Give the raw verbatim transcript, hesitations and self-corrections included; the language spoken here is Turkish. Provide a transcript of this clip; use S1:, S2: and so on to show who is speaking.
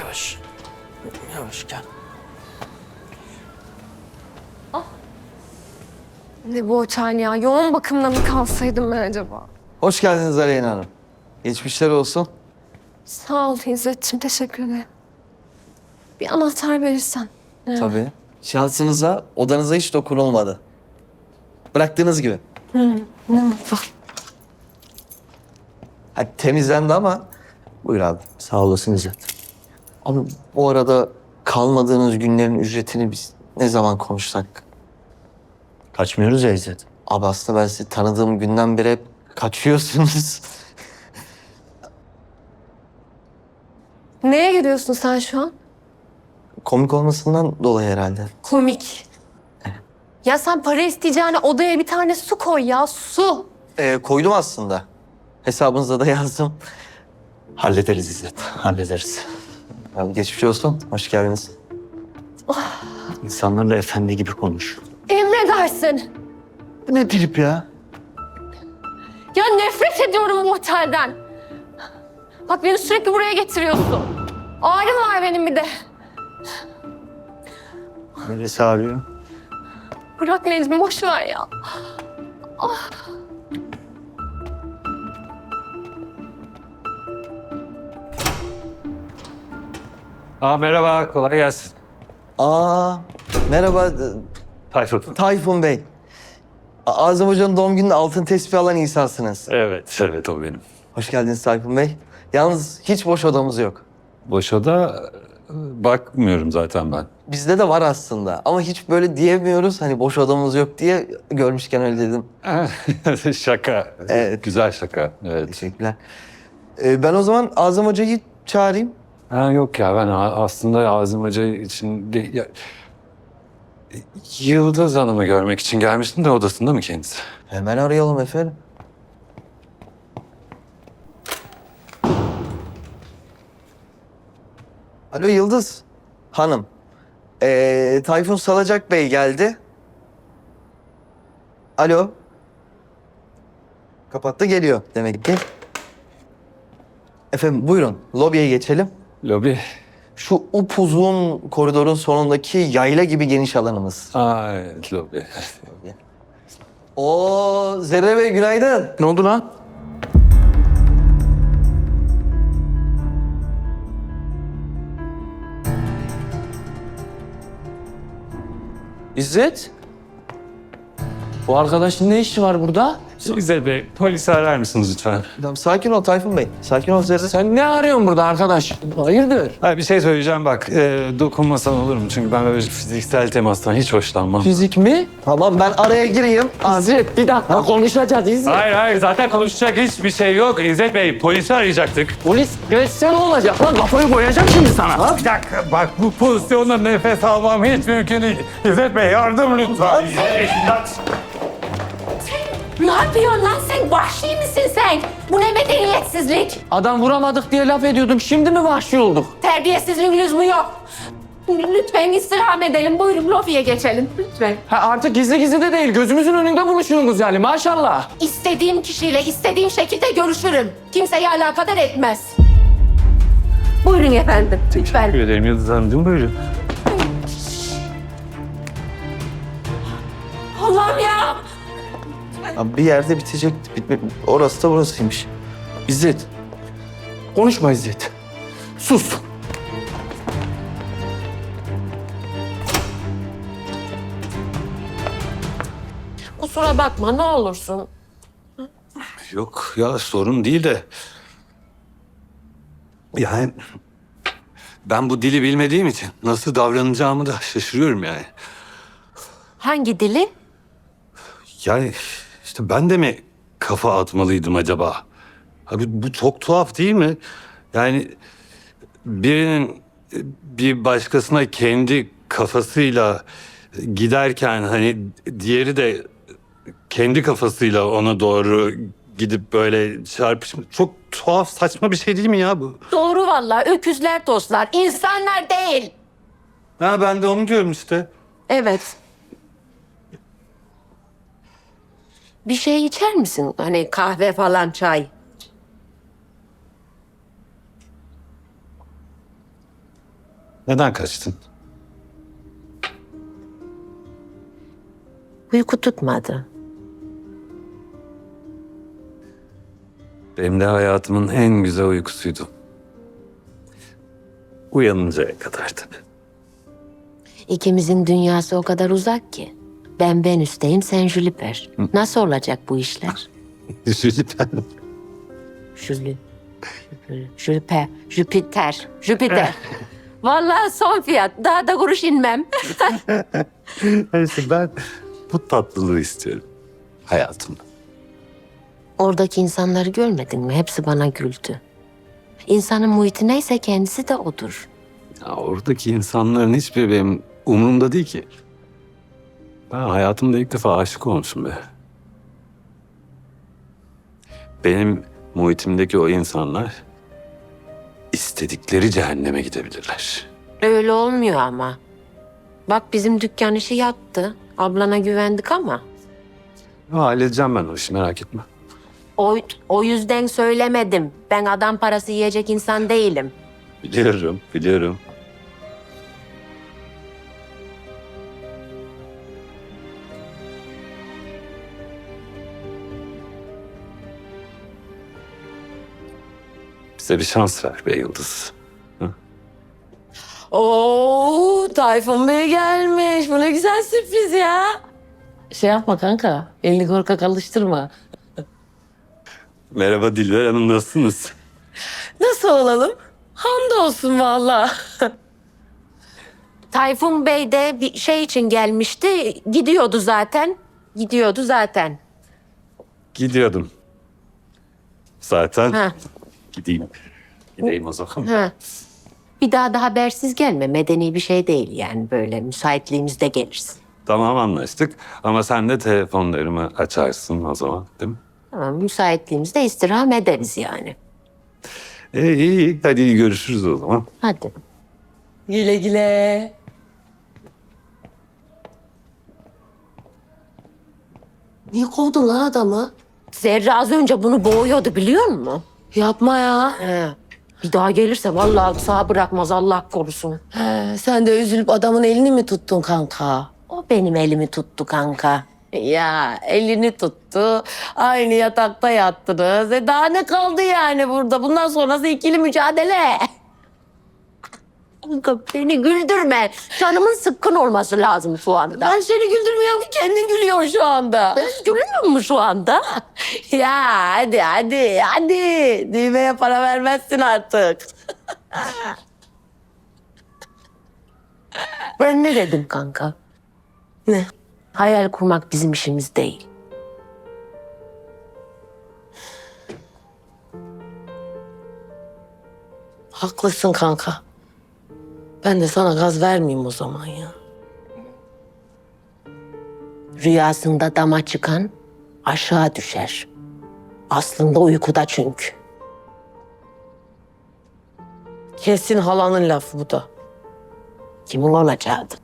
S1: Yavaş. Yavaş gel.
S2: Ne bu otel ya? Yoğun bakımda mı kalsaydım ben acaba?
S1: Hoş geldiniz Aleyna Hanım. Geçmişler olsun.
S2: Sağ ol İzzet'ciğim, teşekkür ederim. Bir anahtar verirsen. Evet.
S1: Tabii. Şahsınıza, odanıza hiç dokunulmadı. Bıraktığınız gibi.
S2: Ne mutlu.
S1: Hadi temizlendi ama... Buyur abi.
S3: Sağ olasın İzzet.
S1: Abi bu arada kalmadığınız günlerin ücretini biz ne zaman konuşsak?
S3: Kaçmıyoruz ya İzzet.
S1: Abi aslında ben sizi tanıdığım günden beri hep kaçıyorsunuz.
S2: Neye gülüyorsun sen şu an?
S1: Komik olmasından dolayı herhalde.
S2: Komik. Ya sen para isteyeceğine odaya bir tane su koy ya, su.
S1: Ee, koydum aslında. Hesabınıza da yazdım.
S3: Hallederiz İzzet, hallederiz.
S1: Abi geçmiş olsun. Hoş geldiniz.
S3: İnsanlarla efendi gibi konuş.
S2: Emredersin.
S3: Bu ne trip ya?
S2: Ya nefret ediyorum bu otelden. Bak beni sürekli buraya getiriyorsun. Ağrım var benim bir de.
S3: Neresi ağrıyor?
S2: Bırak Necmi, boş ver ya.
S4: Aa, merhaba, kolay gelsin.
S1: Aa, merhaba
S4: Tayfun.
S1: Tayfun Bey. A- Azam Hoca'nın doğum gününde altın tespih alan insansınız.
S4: Evet, evet o benim.
S1: Hoş geldiniz Tayfun Bey. Yalnız hiç boş odamız yok.
S4: Boş oda e, bakmıyorum zaten ben.
S1: Bizde de var aslında ama hiç böyle diyemiyoruz. Hani boş odamız yok diye görmüşken öyle dedim.
S4: Şaka.
S1: Evet.
S4: Güzel şaka. Evet.
S1: Teşekkürler. Ee, ben o zaman Azam Hoca'yı çağırayım.
S4: Ha, yok ya ben a- aslında Azim Hoca için değil. Ya, Yıldız Hanım'ı görmek için gelmiştim de odasında mı kendisi?
S1: Hemen arayalım efendim. Alo Yıldız Hanım. Ee, Tayfun Salacak Bey geldi. Alo. Kapattı, geliyor demek ki. Efendim buyurun lobiye geçelim.
S4: Lobi.
S1: Şu upuzun koridorun sonundaki yayla gibi geniş alanımız.
S4: Aa, evet lobi.
S1: Oo Zerre Bey günaydın.
S3: Ne oldu lan?
S5: İzzet? Bu arkadaşın ne işi var burada?
S4: İzzet Bey, polisi arar mısınız lütfen?
S1: Tamam, sakin ol Tayfun Bey. Sakin ol Zerre.
S5: Sen ne arıyorsun burada arkadaş? Hayırdır?
S4: Ha, bir şey söyleyeceğim bak. E, dokunmasan olur mu? Çünkü ben böyle fiziksel temastan hiç hoşlanmam.
S5: Fizik mi?
S1: Tamam ben araya gireyim.
S5: İzzet bir dakika konuşacağız İzzet.
S4: Hayır hayır zaten konuşacak hiçbir şey yok. İzzet Bey polisi arayacaktık.
S5: Polis geçse ne olacak lan? Kafayı koyacağım şimdi sana.
S4: Bir dakika bak bu pozisyonda nefes almam hiç mümkün değil. İzzet Bey yardım lütfen.
S2: Ne yapıyorsun lan sen? Vahşi misin sen? Bu ne medeniyetsizlik?
S5: Adam vuramadık diye laf ediyordum. Şimdi mi vahşi olduk?
S2: Terbiyesizlik lüzumu yok. Lütfen istirham edelim. Buyurun lobiye geçelim. Lütfen.
S5: Ha, artık gizli gizli de değil. Gözümüzün önünde buluşuyorsunuz yani maşallah.
S2: İstediğim kişiyle istediğim şekilde görüşürüm. Kimseyi alakadar etmez. Buyurun efendim. Lütfen.
S4: Teşekkür ederim Yıldız Hanımcığım buyurun.
S2: Allah'ım ya.
S1: Abi bir yerde bitecekti. Bitme, orası da burasıymış.
S5: İzzet. Konuşma İzzet. Sus.
S2: Kusura bakma ne olursun.
S4: Yok ya sorun değil de. Yani ben bu dili bilmediğim için nasıl davranacağımı da şaşırıyorum yani.
S2: Hangi dili?
S4: Yani işte ben de mi kafa atmalıydım acaba? Abi bu çok tuhaf değil mi? Yani birinin bir başkasına kendi kafasıyla giderken hani diğeri de kendi kafasıyla ona doğru gidip böyle çarpışma çok tuhaf saçma bir şey değil mi ya bu?
S2: Doğru vallahi. Öküzler dostlar. İnsanlar değil.
S4: Ha ben de onu diyorum işte.
S2: Evet. Bir şey içer misin? Hani kahve falan, çay.
S4: Neden kaçtın?
S6: Uyku tutmadı.
S4: Benim de hayatımın en güzel uykusuydu. Uyanıncaya kadar tabii.
S6: İkimizin dünyası o kadar uzak ki. Ben Venüs'teyim, sen Jüpiter. Nasıl olacak bu işler?
S4: Jüpiter.
S6: Jülü. Jüpiter. Jüpiter. Jüpiter. Vallahi son fiyat. Daha da kuruş inmem.
S4: Neyse ben bu tatlılığı istiyorum hayatımda.
S6: Oradaki insanları görmedin mi? Hepsi bana güldü. İnsanın muhiti neyse kendisi de odur.
S4: Ya oradaki insanların hiçbiri benim umurumda değil ki. Ben hayatımda ilk defa aşık olmuşum be. Benim muhitimdeki o insanlar istedikleri cehenneme gidebilirler.
S6: Öyle olmuyor ama. Bak bizim dükkan işi yattı. Ablana güvendik ama.
S4: Ya, halledeceğim ben o işi, merak etme.
S6: O, o yüzden söylemedim. Ben adam parası yiyecek insan değilim.
S4: Biliyorum, biliyorum. Bize bir şans ver be Yıldız.
S7: Oo, Tayfun Bey gelmiş. Bu ne güzel sürpriz ya. Şey yapma kanka. Elini korkak alıştırma.
S4: Merhaba Dilber Hanım, nasılsınız?
S7: Nasıl olalım? Hamdolsun valla.
S6: Tayfun Bey de bir şey için gelmişti. Gidiyordu zaten. Gidiyordu zaten.
S4: Gidiyordum. Zaten
S6: Ha.
S4: gideyim. Gideyim o zaman.
S6: Ha. Bir daha da habersiz gelme. Medeni bir şey değil yani böyle. Müsaitliğimizde gelirsin.
S4: Tamam, anlaştık. Ama sen de telefonlarımı açarsın o zaman, değil mi?
S6: Tamam, müsaitliğimizde istirham ederiz yani.
S4: İyi, iyi. Hadi görüşürüz o zaman.
S6: Hadi.
S7: Güle güle. Niye kovdun lan adamı?
S6: Zerre az önce bunu boğuyordu biliyor musun?
S7: Yapma ya.
S6: He. Bir daha gelirse vallahi sağ bırakmaz Allah korusun.
S7: He, sen de üzülüp adamın elini mi tuttun kanka?
S6: O benim elimi tuttu kanka.
S7: Ya elini tuttu. Aynı yatakta yattınız. E daha ne kaldı yani burada? Bundan sonrası ikili mücadele.
S6: Kanka beni güldürme. Canımın sıkkın olması lazım şu anda.
S7: Ben seni güldürmüyorum ki kendin gülüyorsun şu anda.
S6: Gülmüyor mu şu anda?
S7: Ya hadi hadi hadi. Düğmeye para vermezsin artık.
S6: Ben ne dedim kanka?
S7: Ne?
S6: Hayal kurmak bizim işimiz değil.
S7: Haklısın kanka. Ben de sana gaz vermeyeyim o zaman ya.
S6: Rüyasında dama çıkan aşağı düşer. Aslında uykuda çünkü.
S7: Kesin halanın lafı bu da.
S6: Kimin olacağıdır?